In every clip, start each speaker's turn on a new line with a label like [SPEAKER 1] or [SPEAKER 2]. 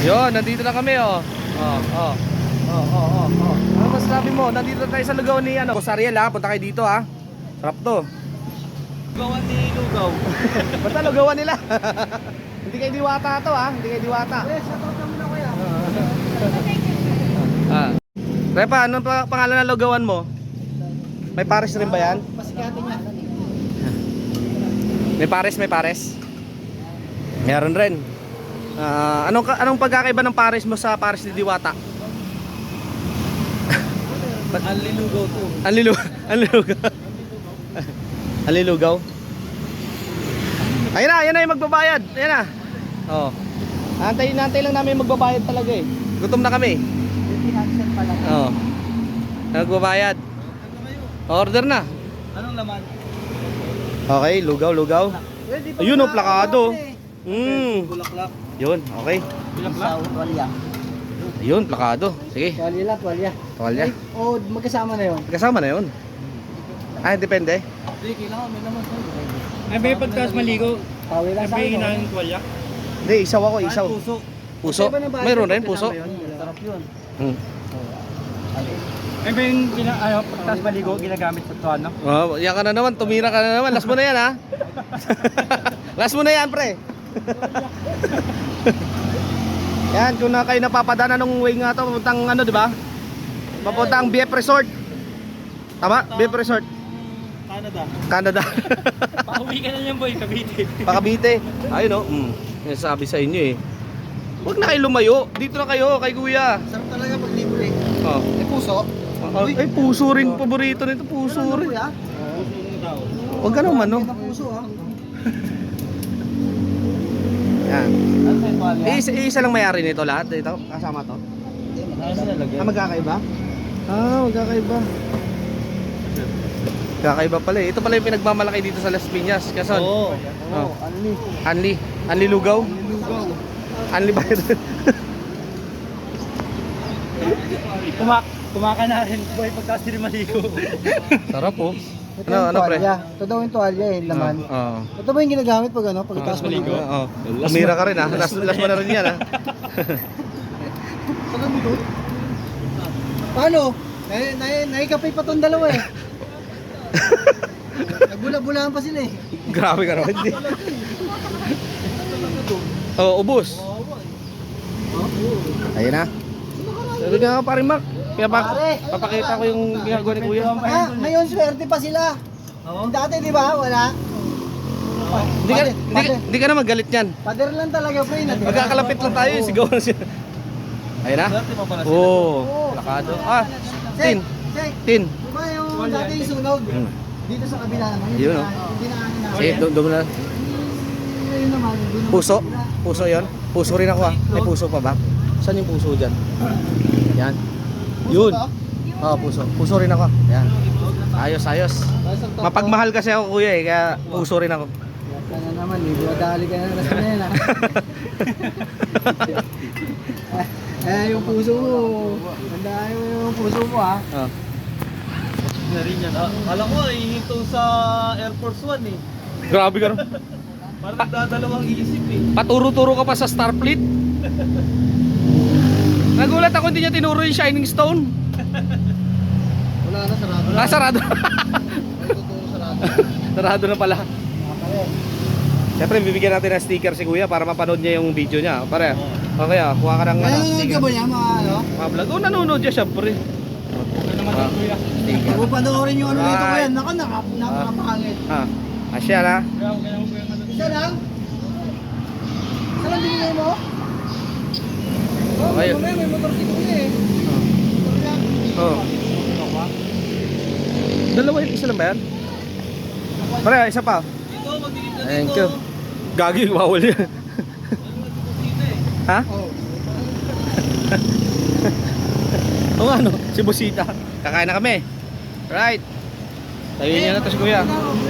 [SPEAKER 1] Yun, nandito na kami oh. Ano masasabi mo? Nandito na tayo sa lugaw ni ano? Boss Ariel ha, punta kayo dito ha. Sarap to.
[SPEAKER 2] Lugawan ni Lugaw.
[SPEAKER 1] Basta lugawan nila. Hindi kayo diwata to ha, hindi kayo diwata. Repa, anong pangalan ng lugawan mo? May pares rin ba yan?
[SPEAKER 2] Pasikati niya.
[SPEAKER 1] May pares? Meron rin. Anong pagkakaiba ng pares mo sa pares ni Diwata?
[SPEAKER 2] Anlilugaw to.
[SPEAKER 1] Anlilugaw. Ayun na yung magbabayad. Ayun na. Oh. Antay lang namin magbabayad talaga eh. Gutom na kami. Oh. Nagbabayad. Order na.
[SPEAKER 2] Anong laman?
[SPEAKER 1] Okay, lugaw. Ayun oh, plakado.
[SPEAKER 2] Bulaklak.
[SPEAKER 1] Yun, okay.
[SPEAKER 2] Bulaklak? Tuwalya.
[SPEAKER 1] Ayun, plakado. Sige.
[SPEAKER 2] Tuwalya.
[SPEAKER 1] Tuwalya.
[SPEAKER 2] O magkasama na yun.
[SPEAKER 1] Kasama na yun. Ah, depende.
[SPEAKER 2] Hindi, kailangan may naman sa'yo.
[SPEAKER 3] Ay, may pagkas maligo.
[SPEAKER 2] Pawi lang
[SPEAKER 3] Ay,
[SPEAKER 2] sa'yo.
[SPEAKER 3] may inang tuwalya.
[SPEAKER 1] Hindi, isaw ako, isaw.
[SPEAKER 2] Puso.
[SPEAKER 1] Puso? Mayroon rin, puso.
[SPEAKER 2] Sarap yun.
[SPEAKER 3] Ay, may pagkas maligo ginagamit sa tuwan, no?
[SPEAKER 1] Oh, yan ka na naman, tumira ka na naman. Last mo na yan, ha? Last mo na yan, pre. Yan, kung na kayo napapadana nung way nga to, papuntang ano, di ba? Papuntang BF Resort. Tama? BF Resort. Canada.
[SPEAKER 3] Pauwi ka na niyan, boy, Cavite.
[SPEAKER 1] Pakabite. Ayun, oh. Yan sabi sa inyo, eh. Huwag na kayo lumayo. Dito na kayo, kay kuya.
[SPEAKER 2] Sarap talaga pag libre.
[SPEAKER 1] Oh.
[SPEAKER 2] May puso.
[SPEAKER 1] Ay, puso rin. Paborito nito, puso rin.
[SPEAKER 2] Kuya?
[SPEAKER 1] Huwag ka naman, no?
[SPEAKER 2] May puso ha.
[SPEAKER 1] Yan.
[SPEAKER 2] Ano sa tuwalya?
[SPEAKER 1] Isa lang may-ari nito lahat. Dito, kasama to. Magkakaiba? Magkakaiba. Magkakaiba pala eh. Ito pala yung pinagmamalaki dito sa Las Piñas. Kason?
[SPEAKER 2] Oo.
[SPEAKER 1] Oh.
[SPEAKER 2] Anli.
[SPEAKER 1] Anli lugaw?
[SPEAKER 2] Lugaw.
[SPEAKER 1] Anli ba ito?
[SPEAKER 3] Kumaka na rin, boy, pagkas din maligo.
[SPEAKER 1] Sarap oh.
[SPEAKER 2] Ito
[SPEAKER 1] Ano,
[SPEAKER 2] yung
[SPEAKER 1] pre?
[SPEAKER 2] tuwalya. Ito daw yung tuwalya eh, laman.
[SPEAKER 1] Oo.
[SPEAKER 2] Ito ba yung ginagamit pag ano? Pagkatapos maligo?
[SPEAKER 1] Oo. Umira ka rin ha. Last mo na rin yan ha.
[SPEAKER 2] Paano? Naikapay pa tong dalawa eh. Nagbula-bulaan pa sila eh.
[SPEAKER 1] Grabe ka naman. Oh, ubos. Ayun na. Sabi nga pa rin, Mark. Kaya papakita ko yung ginagawa ni Kuya.
[SPEAKER 2] Ngayon swerte pa sila. Dati di ba? Wala.
[SPEAKER 1] Hindi ka na magalit yan.
[SPEAKER 2] Pader lang talaga, pre.
[SPEAKER 1] Magkakalapit lang tayo, sigaw na siya. Ayun na. Oo. Plakado. Tin. Tin.
[SPEAKER 2] Di ba yung dati yung sunog? Dito sa kabila naman.
[SPEAKER 1] Yun, oh.
[SPEAKER 2] Hindi na ano na.
[SPEAKER 1] Sige, doon na.
[SPEAKER 2] Yun naman. doon naman
[SPEAKER 1] Puso?
[SPEAKER 2] sila.
[SPEAKER 1] Puso yon? Puso rin ako ah. May puso pa ba? Saan yung puso dyan? Yan.
[SPEAKER 2] Puso
[SPEAKER 1] Yun.
[SPEAKER 2] to?
[SPEAKER 1] Oo, puso. Puso rin ako. Yan. Ayos. Mapagmahal kasi ako kuya eh, kaya puso rin ako.
[SPEAKER 2] Yan na naman, libo dali ka na lang sa yan ah. Yung puso mo. Tanda yung puso mo ah.
[SPEAKER 1] Oh.
[SPEAKER 3] Na rin yan. Alam ko, ihinto sa Air Force One eh.
[SPEAKER 1] Grabe ka no?
[SPEAKER 3] Parang nagdadalawang isip eh.
[SPEAKER 1] Paturo-turo ka pa sa Starfleet. Nagulat ako hindi niya tinuro yung Shining Stone.
[SPEAKER 2] Wala na, sarado na.
[SPEAKER 1] Sarado.
[SPEAKER 2] Totoo sarado.
[SPEAKER 1] Sarado na pala. Siyempre, bibigyan natin ng sticker si Kuya para mapanood niya yung video niya. Pare, okay kuha ka ng
[SPEAKER 2] Nanonood ka ba niya mga ano?
[SPEAKER 1] mga vlog. Oo, nanonood siya siyempre.
[SPEAKER 3] Ano naman ang kuya?
[SPEAKER 2] Huwag mo panoorin yung ano nito ko
[SPEAKER 1] Right.
[SPEAKER 2] yan. Napakapangit.
[SPEAKER 1] Asya na.
[SPEAKER 3] Kaya mo kuya ano?
[SPEAKER 2] Isa lang? Isa lang binigay mo?
[SPEAKER 1] Okay.
[SPEAKER 2] May motorsiklo niya eh.
[SPEAKER 1] Oh. Dalawa yun, isa lang ba yan? Pare, isa pa. Thank you. Gagi, bawal yan. Ha?
[SPEAKER 2] Oo.
[SPEAKER 1] O nga no, si Busita. Kakain na kami. Right. Tayo niya na to si Kuya.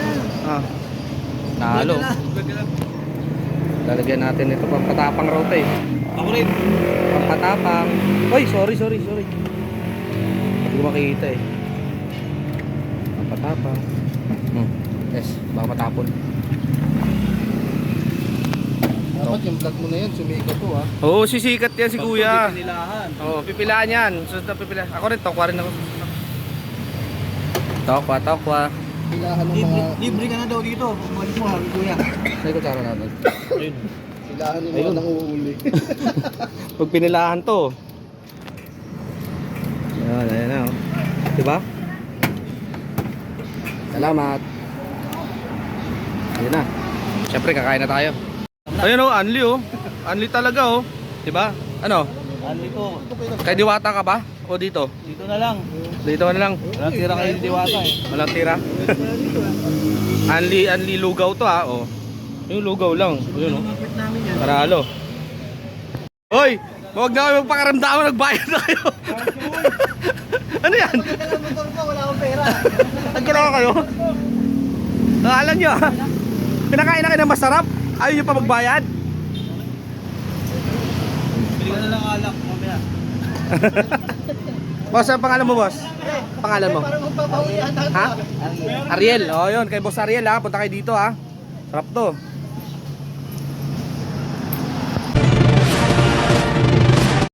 [SPEAKER 1] Nalo. Lalagyan natin ito pampatapang raw to eh.
[SPEAKER 3] Ako rin.
[SPEAKER 1] Pampatapang. Oy, sorry. Hindi ko makikita eh. Pampatapang. Yes, baka matapon.
[SPEAKER 2] Dapat yung vlog mo na yan, sumikat to ha.
[SPEAKER 1] Oo, sisikat yan si kuya.
[SPEAKER 3] Pinilahan.
[SPEAKER 1] Oo, pipilaan yan. Susunod na pipilaan. Ako rin, tokwa rin ako. Tokwa.
[SPEAKER 2] Pilahan ng mga...
[SPEAKER 3] Libre ka na daw dito. Bumalik mo, habi kuya.
[SPEAKER 2] May kutsara natin.
[SPEAKER 3] Ayun.
[SPEAKER 2] Pilahan ng
[SPEAKER 1] Ayun.
[SPEAKER 2] mga nanguuli.
[SPEAKER 1] Pag pinilahan to. Ayan na. Oh. Diba? Salamat. Ayun na. Siyempre, kakain na tayo. Ayun oh, Anli oh. Anli talaga oh. Diba? Ano?
[SPEAKER 3] Dito.
[SPEAKER 1] Kay Diwata ka ba? O dito?
[SPEAKER 3] Dito na lang.
[SPEAKER 1] Dito ka na lang.
[SPEAKER 3] Walang tira kayo ni Diwata eh.
[SPEAKER 1] Walang tira. Anli lugaw to ha. Oh. Yung lugaw lang. Yun oh. Paralo. Hoy! Huwag na kayo magpakaramdaman, nagbayad na kayo. Ano yan?
[SPEAKER 2] motor ko, wala akong pera.
[SPEAKER 1] Nagkala kayo? Alam nyo ha? Pinakain na kayo ng masarap? Ayaw nyo pa magbayad?
[SPEAKER 3] Bili ka na lang alak mamaya.
[SPEAKER 1] Boss, ang pangalan mo boss? Pangalan mo?
[SPEAKER 2] Para magpapauli ata.
[SPEAKER 1] Ha? Ariel. Oh, yun. Kay boss Ariel ha. Punta kayo dito ha. Sarap to.